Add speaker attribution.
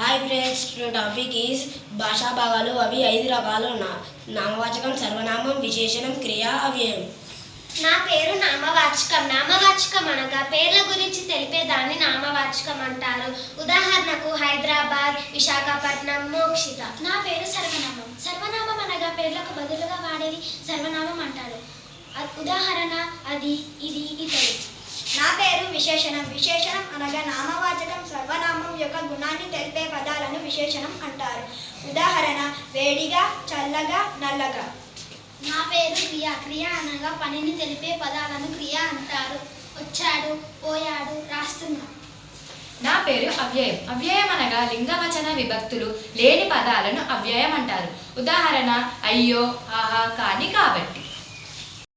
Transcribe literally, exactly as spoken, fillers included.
Speaker 1: Hi friends, the topic is భాషా భాగాలు. అవి ఐదు రకాలు. నామవాచకం, సర్వనామం, విశేషణం, క్రియ, అవ్యయం.
Speaker 2: నా పేరు నామవాచకం. నామవాచకం అనగా పేర్ల గురించి తెలిపేదాన్ని నామవాచకం అంటారు. ఉదాహరణకు హైదరాబాద్, విశాఖపట్నం, మోక్షిత.
Speaker 3: నా పేరు సర్వనామం. సర్వనామం అనగా పేర్లకు బదులుగా వాడేది సర్వనామం అంటారు. ఉదాహరణ అది, ఇది, ఇతడు.
Speaker 4: నా పేరు విశేషణం. విశేషణం అనగా నామవాచకం సర్వనామం యొక్క గుణాన్ని తెలిపే పదాలను విశేషణం అంటారు. ఉదాహరణ వేడిగా, చల్లగా, నల్లగా.
Speaker 3: నా పేరు క్రియ. క్రియ అనగా పనిని తెలిపే పదాలను క్రియ అంటారు. వచ్చాడు, పోయాడు, రాస్తున్నాడు.
Speaker 5: నా పేరు అవ్యయం. అవ్యయం అనగా లింగవచన విభక్తులు లేని పదాలను అవ్యయం అంటారు. ఉదాహరణ అయ్యో, ఆహా, కాని, కాబట్టి.